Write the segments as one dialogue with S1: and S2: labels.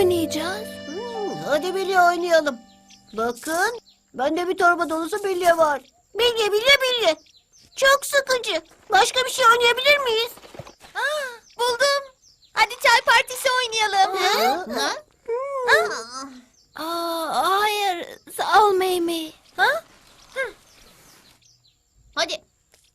S1: oynayacağız?
S2: Hadi bilye oynayalım. Bakın, bende bir torba dolusu bilye var. Bilye, bilye, bilye. Çok sıkıcı. Başka bir şey oynayabilir miyiz?
S1: Buldum. Hadi çay partisi oynayalım. Hayır. Sağ ol Meymi.
S3: Hadi.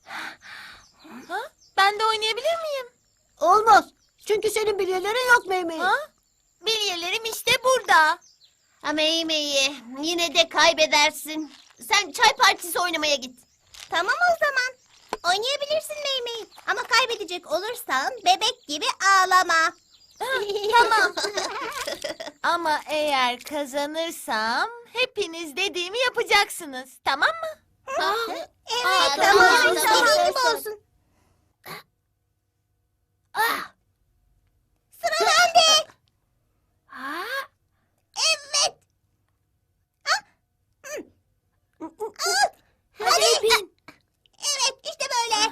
S1: Ben de oynayabilir miyim?
S2: Olmaz. Çünkü senin bilyelerin yok Meymeyi.
S1: Bilyelerim işte burada.
S3: Ama iyi. Yine de kaybedersin. Sen çay partisi oynamaya git. Tamam o zaman. Oynayabilirsin Meymeyi. Ama kaybedecek olursan bebek gibi ağlama.
S1: Tamam. Ama eğer kazanırsam hepiniz dediğimi yapacaksınız. Tamam mı?
S3: Evet
S1: tamam.
S3: tamam. İstediğin gibi olsun. Sıra bende. Evet. Hadi. Evet işte böyle.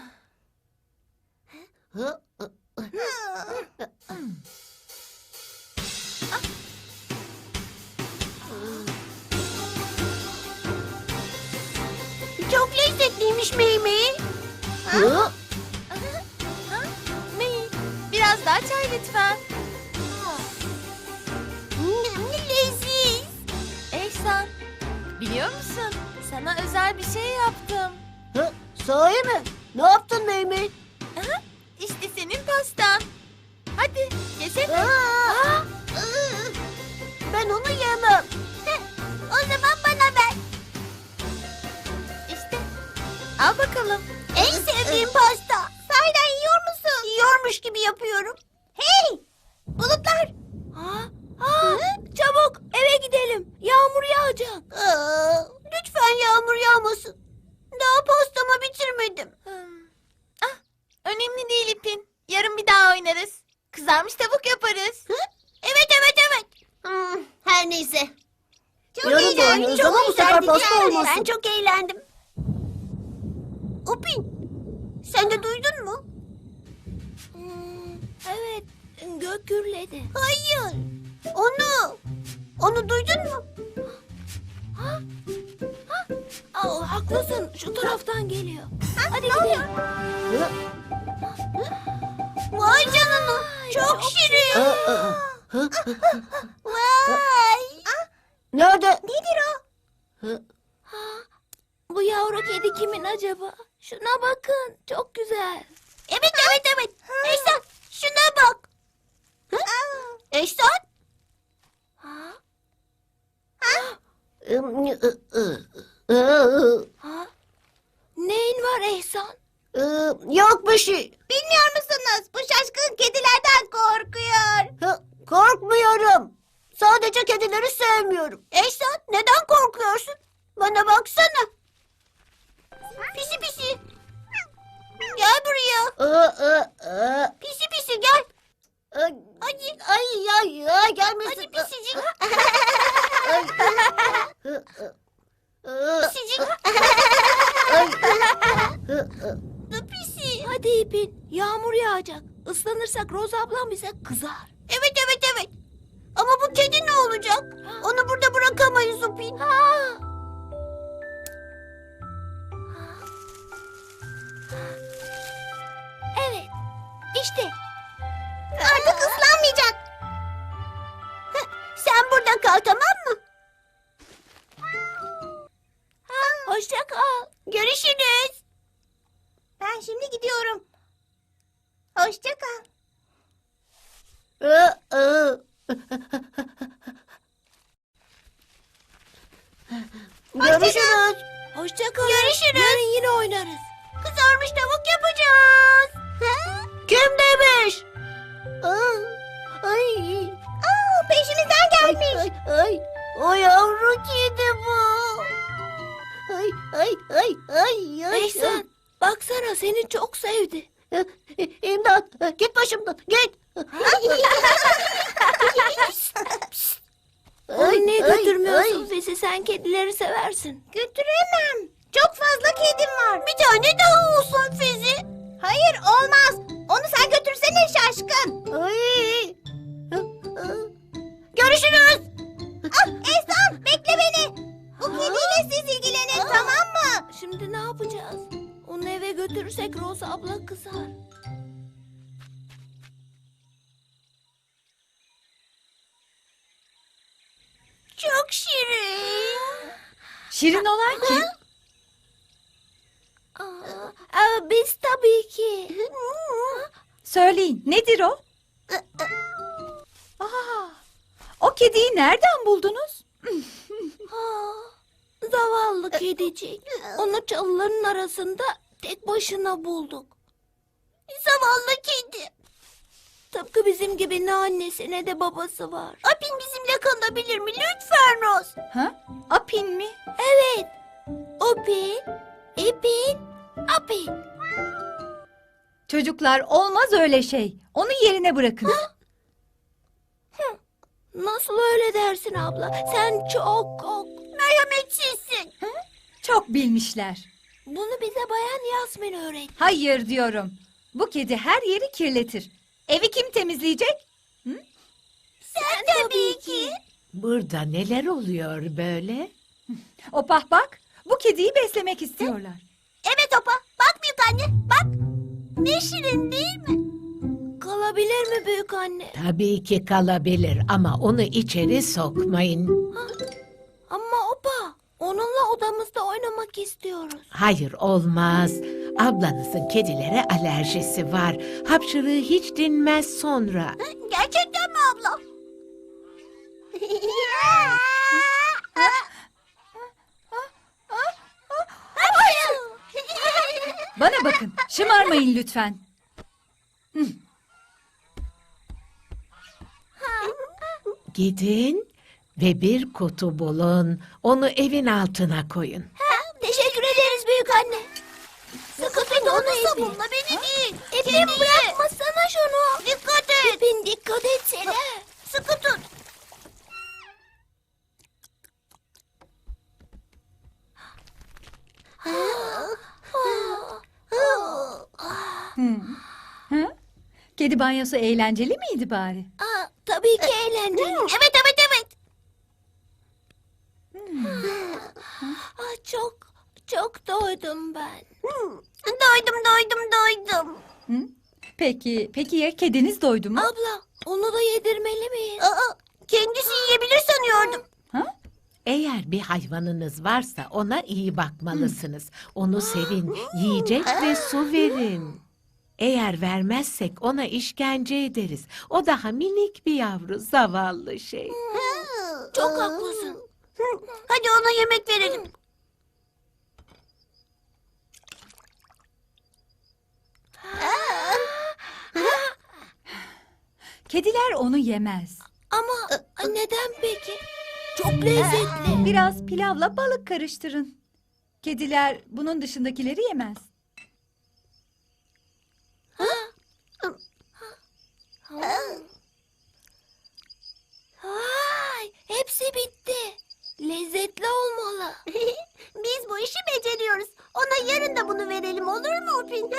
S2: Çok lezzetliymiş Meymeyi.
S1: Mey, biraz daha çay lütfen.
S3: Leziz.
S1: Ehsan, biliyor musun? Sana özel bir şey yaptım.
S2: Sahi mi? Ne yaptın Meymeyi?
S1: İşte senin pastan. Hadi, yesene.
S2: Ben onu yemem.
S3: O zaman bana ver.
S1: İşte, al bakalım.
S3: En sevdiğim pasta. Sahiden yiyor musun?
S2: Yiyormuş gibi yapıyorum.
S3: Hey! Bulutlar.
S1: Çabuk eve gidelim. Yağmur yağacak.
S2: Lütfen yağmur yağmasın. Daha pastamı bitirmedim.
S1: Önemli değil İpin. Yarın bir daha oynarız. Kızarmış tavuk yaparız.
S2: Evet.
S3: Her neyse. Çok
S2: Yarın da
S3: eğlendik,
S2: oynarız
S3: çok
S2: ama bu sefer
S3: eğlendik
S2: pasta
S3: yani.
S2: olmasın.
S3: Ben çok eğlendim.
S2: Upin, sen de duydun mu?
S1: Evet, gök gürledi.
S2: Hayır. Onu duydun mu?
S1: Haklısın, şu taraftan geliyor. Hadi gidelim.
S2: Vay canına. Çok şirin.
S3: Vay.
S2: Nerede?
S3: Nedir o?
S1: Bu yavru kedi kimin acaba? Şuna bakın, çok güzel.
S2: Evet. Ehsan, şuna bak. Ehsan?
S1: Neyin var Ehsan?
S2: Yok bir şey.
S3: Bilmiyor musunuz? Bu şaşkın kedilerden korkuyor.
S2: Korkmuyorum. Sadece kedileri sevmiyorum. Ehsan, neden korkuyorsun? Bana baksana. Pisi. Gel buraya. Pisi gel. Ay gelmesin. Hadi pisicik. Pisicik. Pisi.
S1: Hadi İpin, yağmur yağacak. Islanırsak Roz ablam bize kızar.
S2: Evet. Ama bu kedi ne olacak? Onu burada bırakamayız Upin.
S1: Evet, işte.
S3: Artık ıslanmayacak.
S2: Sen burada kal, tamam mı?
S1: Hoşça kal.
S2: Görüşürüz.
S3: Ben şimdi gidiyorum. Hoşça kal.
S2: Görüşürüz.
S1: Hoşça kal.
S2: Görüşürüz.
S1: Yarın yine oynarız.
S2: Kızarmış tavuk yapacağız. Kim demiş? Ay.
S3: Peşimizden gelmiş.
S2: Ay. O yavru kedi bu. Ay.
S1: Ehsan, baksana seni çok sevdi.
S2: İmdat. Git başımdan. Git.
S1: Onu niye
S2: ay,
S1: götürmüyorsun
S2: ay.
S1: bizi? Sen kedileri seversin.
S3: Götüremem. Çok fazla kedim var.
S2: Bir tane daha olsun Fizi.
S3: Hayır olmaz. Onu sen götürsene şaşkın.
S2: Ay.
S1: götürürsek Rosa abla kızar.
S2: Çok şirin.
S4: Şirin olan kim?
S1: Biz tabii ki.
S4: Söyleyin, nedir o? Aa, o kediyi nereden buldunuz?
S1: Zavallı kedicik. Onu çalıların arasında tek başına bulduk.
S2: Zavallı kedi.
S1: Tıpkı bizim gibi ne annesi ne de babası var.
S2: Apin bizimle kalabilir mi? Lütfen Roz.
S4: Ha? Apin mi?
S1: Evet. Opin, İpin, Apin.
S4: Çocuklar, olmaz öyle şey. Onu yerine bırakın.
S1: Nasıl öyle dersin abla? Sen çok
S2: Merhametsizsin.
S4: Çok bilmişler.
S1: Bunu bize Bayan Yasmin öğretti.
S4: Hayır diyorum. Bu kedi her yeri kirletir. Evi kim temizleyecek?
S2: Sen tabii ki.
S5: Burada neler oluyor böyle?
S4: Opah bak, bu kediyi beslemek istiyorlar.
S2: Evet Opa. Bak büyük anne. Bak. Ne şirin değil mi?
S1: Kalabilir mi büyük anne?
S5: Tabii ki kalabilir ama onu içeri sokmayın.
S1: Ama opa, onunla odamızda oynamak istiyoruz.
S5: Hayır olmaz. Ablanızın kedilere alerjisi var. Hapşırığı hiç dinmez sonra.
S2: Gerçekten mi abla?
S4: Bana bakın, şımarmayın lütfen.
S5: Gidin ve bir kutu bulun. Onu evin altına koyun.
S1: Teşekkür ederiz büyük anne. Sıkı tut onu İpin.
S2: Bununla beni değil.
S1: İpin bırakmasana şunu.
S2: Dikkat et.
S1: İpin dikkat etsene.
S2: Sıkı tut.
S4: Hı? Kedi banyosu eğlenceli miydi bari?
S1: Tabii ki eğlenceli.
S2: Evet evet evet.
S1: Çok doydum ben.
S2: Doydum.
S4: Hı? Peki ya kediniz doydu mu?
S1: Abla, onu da yedirmeli miyiz?
S2: Kendisi yiyebilir sanıyordum.
S4: Ha?
S5: Eğer bir hayvanınız varsa ona iyi bakmalısınız. Onu sevin, yiyecek ve su verin. Eğer vermezsek ona işkence ederiz. O daha minik bir yavru, zavallı şey.
S1: Çok haklısın.
S2: Hadi ona yemek verelim.
S4: Kediler onu yemez.
S1: Ama neden peki? Çok lezzetli.
S4: Biraz pilavla balık karıştırın. Kediler bunun dışındakileri yemez.
S1: Vay, hepsi bitti. Lezzetli olmalı.
S2: Biz bu işi beceriyoruz. Ona yarın da bunu verelim olur mu Upin?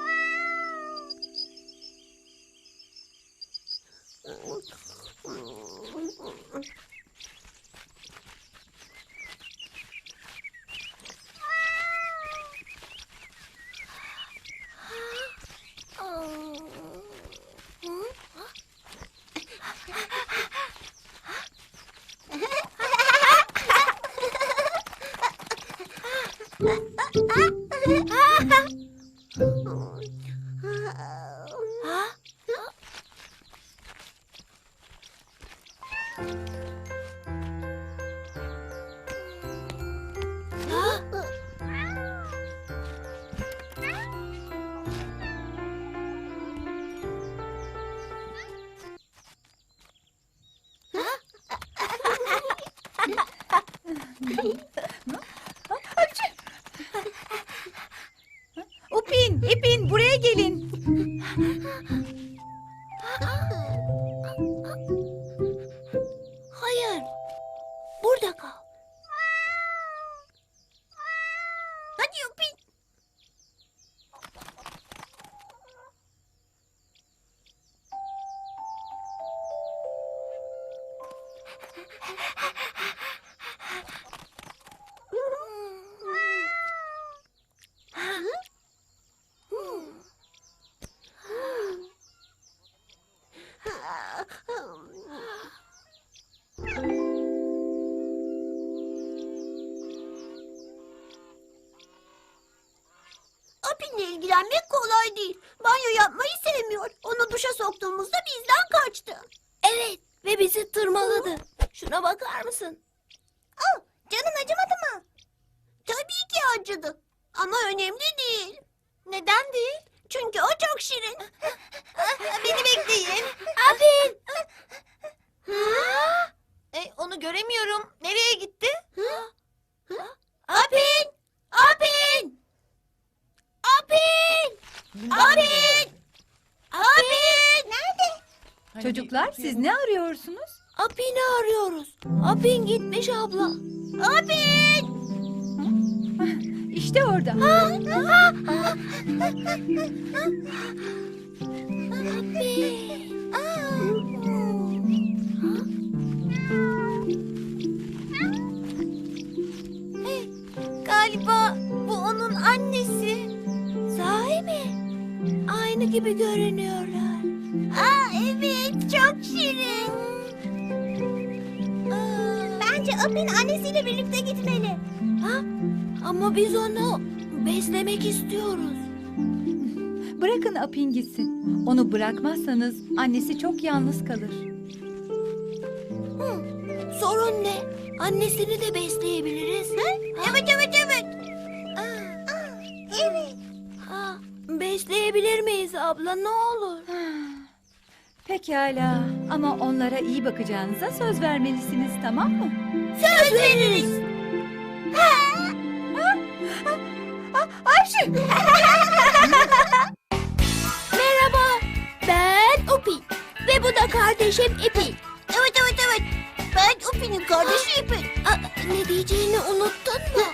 S4: Upin, İpin buraya gelin.
S1: Hayır. Burada kal.
S2: Hadi Upin. yenmek kolay değil. Banyo yapmayı sevmiyor. Onu duşa soktuğumuzda bizden kaçtı.
S1: Evet ve bizi tırmaladı. Şuna bakar mısın?
S3: Canın acımadı mı?
S2: Tabii ki acıdı. Ama önemli değil.
S3: Neden değil?
S2: Çünkü o çok şirin.
S3: Beni bekleyin.
S1: Apin!
S3: Onu göremiyorum. Nereye gitti?
S1: Apin! Apin! Apin! Apin! Apin!
S3: Nerede?
S4: Çocuklar siz ne arıyorsunuz?
S1: Apin'i arıyoruz. Apin gitmiş abla. Apin!
S4: İşte orada.
S3: Galiba bu onun annesi.
S1: Sahi mi? Aynı gibi görünüyorlar.
S3: Evet, çok şirin. Bence Apin annesiyle birlikte gitmeli.
S1: Ha? Ama biz onu beslemek istiyoruz.
S4: Bırakın Apin gitsin. Onu bırakmazsanız annesi çok yalnız kalır.
S1: Sorun ne? Annesini de besleyebiliriz.
S3: Evet, evet, evet. Evet.
S1: Ha, besleyebilir miyiz abla ne olur?
S4: Pekala ama onlara iyi bakacağınıza söz vermelisiniz, tamam mı?
S1: Söz veririz.
S4: Ayşe!
S1: Merhaba. Ben Upi. Ve bu da kardeşim İpi.
S2: Evet. Ben Upi'nin kardeşi İpek.
S1: Ne diyeceğini unuttun mu?